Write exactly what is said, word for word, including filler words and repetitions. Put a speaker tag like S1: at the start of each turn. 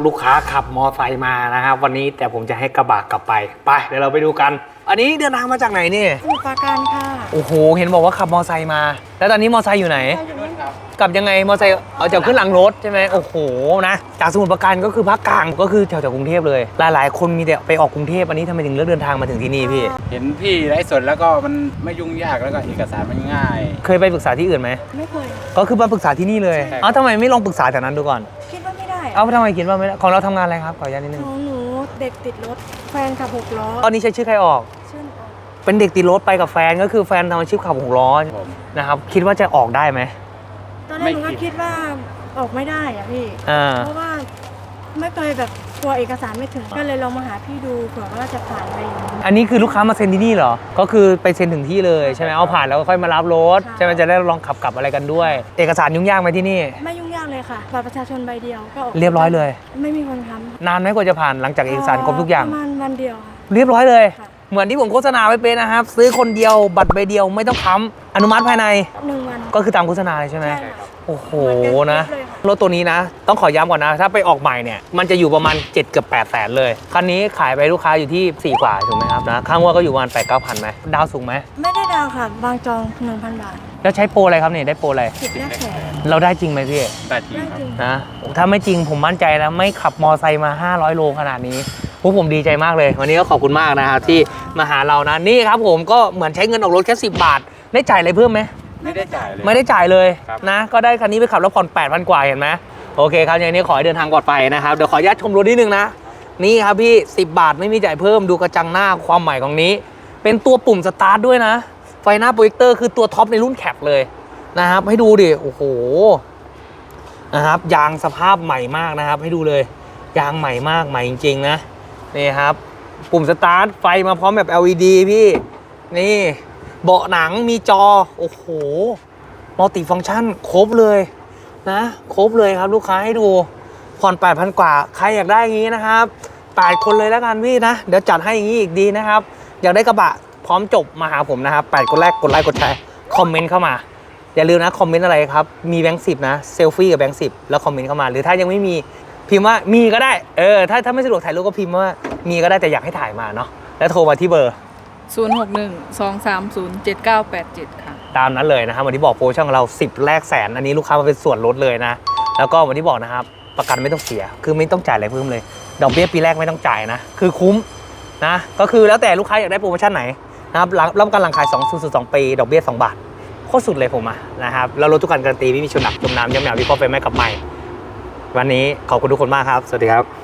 S1: ลูกค้าขับมอไซค์มานะครับวันนี้แต่ผมจะให้กระบะกลับไปไปเดี๋ยวเราไปดูกันอันนี้เดินทางมาจากไหนนี่
S2: สมุทรปราการค่ะ
S1: โอ้โหเห็นบอกว่าขับมอไซค์มาแล้วตอนนี้มอไซค์อยู่ไหนกลับยังไงมอไซค์เอาจะขึ้นหลังรถใช่ไหมโอ้โหนะจากสมุทรปราการก็คือภาคกลางก็คือแถวๆกรุงเทพเลยหลายๆคนมีแต่ไปออกกรุงเทพอันนี้ทำไมถึงเลือกเดินทางมาถึงที่นี่พี่
S3: เห็นพี่ไลฟ์สดแล้วก็มันไม่ยุ่งยากแล้วก็เอกสารมันง่าย
S1: เคยไปปรึกษาที่อื่นไหม
S2: ไม่เคย
S1: ก็คือมาปรึกษาที่นี่เลยเอ้าทำไมไม่ลองปรึกษาจากนั้นดูก่อน
S2: คิดว่าไม่ได้
S1: เอ้าทำไมคิดว่าไม่ได้ของเราทำงานอะไรครับขออนุญาตนิดนึง
S2: ของหนูเด็กติดรถแฟนขับหกล้อ
S1: ตอนนี้ใช้ชื่อใครออก
S2: ชื่อออก
S1: เป็นเด็กติดรถไปกับแฟนก็คือแฟนทำอาชีพขับหกล้อนะครับคิดว่าจะออกได้ไหม
S2: ตอนแรกหนูก็คิดว่าออกไม่ได้อะพี่เพราะว่าไม่เคยแบบกลัวเอกสารไม่ถึงก็เลยลองมาหาพี่ดูเผื่อว่าจะผ่านอะไรอย่างนี้
S1: อันนี้คือลูกค้ามาเซ็นที่นี่เหรอก็คือไปเซ็นถึงที่เลยใช่ไหมเอาผ่านแล้วก็ค่อยมารับรถใช่ไหมจะได้ลองขับกลับอะไรกันด้วยเอกสารยุ่งยากไหมที่นี่
S2: ไม่ยุ่งยากเลยค่ะบัตรประชาชนใบเดียวก็ออก
S1: เรียบร้อยเลย
S2: ไม่มีคนค้ำ
S1: นานไหมกว่าจะผ่านหลังจากเอกสารครบทุกอย่าง
S2: ประมาณวันเดียว
S1: เรียบร้อยเลยเหมือนที่ผมโฆษณาไว้เป็นนะครับซื้อคนเดียวบัตรใบเดียวไม่ต้องค้ำอนุมัติภายใน
S2: หนึ่งวัน
S1: ก็คือตามโฆษณาเลยใช่ไหมโอ้โหนะรถตัวนี้นะต้องขอย้ำก่อนนะถ้าไปออกใหม่เนี่ยมันจะอยู่ประมาณเจ็ดเกือบแปดแสนเลยคันนี้ขายไปลูกค้าอยู่ที่สี่กว่าถูกไหมครับนะข้างว่าก็อยู่ประมาณแปดเก้าพันไหมดาวสูงไหม
S2: ไม่ได้ดาวค่ะบางจองหนึ่งพันบาท
S1: แล้วใช้โปรอะไรครับเนี่ยได้โปรอะไร
S2: สิบแรกแสน
S1: เราได้จริงไหมพี่
S3: ได้จริง
S1: นะถ้าไม่จริงผมมั่นใจแล้วไม่ขับมอไซค์มาห้าร้อยโลขนาดนี้พวกผมดีใจมากเลยวันนี้ก็ขอบคุณมากนะครับที่มาหาเรานะนี่ครับผมก็เหมือนใช้เงินออกรถแค่สิบบาทได้จ่ายอะไรเพิ่มไหม
S3: ไม่ได้จ่ายเลย
S1: ไม่ได้จ่ายเลยนะก็ได้คันนี้ไปขับแล้วผ่อนแปดพันกว่าเห็นไหมโอเคครับอย่างนี้ขอให้เดินทางปลอดภัยนะครับเดี๋ยวขออนุญาตชมรถนิดนึงนะนี่ครับพี่สิบบาทไม่มีจ่ายเพิ่มดูกระจังหน้าความใหม่ของนี้เป็นตัวปุ่มสตาร์ทด้วยนะไฟหน้าโปรเจคเตอร์คือตัวท็อปในรุ่นแคปเลยนะครับให้ดูดิโอ้โหนะครับยางสภาพใหม่มากนะครับให้ดูเลยยางใหม่มากใหม่จริงๆนะนี่ครับปุ่มสตาร์ทไฟมาพร้อมแบบ แอล อี ดี พี่นี่เบาะหนังมีจอโอ้โหมัลติฟังก์ชันครบเลยนะครบเลยครับลูกค้าให้ดูผ่อน แปดพัน กว่าใครอยากได้อย่างนี้นะครับแปดคนเลยแล้วกันพี่นะเดี๋ยวจัดให้อย่างนี้อีกดีนะครับอยากได้กระบะพร้อมจบมาหาผมนะครับแปดคนแรกกดไลค์กดแชร์คอมเมนต์เข้ามาอย่าลืมนะคอมเมนต์อะไรครับมีแบงค์สิบนะเซลฟี่กับแบงค์สิบแล้วคอมเมนต์เข้ามาหรือถ้ายังไม่มีพิมพ์ว่ามีก็ได้เออถ้าถ้าไม่สะดวกถ่ายรูปก็พิมพ์ว่ามีก็ได้แต่อยากให้ถ่ายมาเนาะแล้วโทรมาที่เบอร์
S4: ศูนย์ หก หนึ่ง สอง สาม ศูนย์ เจ็ด เก้า แปด เจ็ดค่ะ
S1: ตามนั้นเลยนะครับวันที่บอกโปรโมชั่นของเราสิบแรกแสนอันนี้ลูกค้ามาเป็นส่วนลดเลยนะแล้วก็วันที่บอกนะครับประกันไม่ต้องเสียคือไม่ต้องจ่ายอะไรเพิ่มเลยดอกเบี้ยปีแรกไม่ต้องจ่ายนะคือคุ้มนะก็คือแล้วแต่ลูกค้าอยากได้โปรโมชั่นไหนนะครับรับประกันหลังขายสอง ศูนย์ ศูนย์ สองปีดอกเบี้ยสองบาทโคตรสุดเลยผมอะนะครับแล้วรถทุกคันการันตีไม่มีชนหนักจมน้ำย้ำหนาววิเคราะห์ไฟไหม้กับใหม่วันนี้ขอบคุณทุกคนมากครับสวัสดีครับ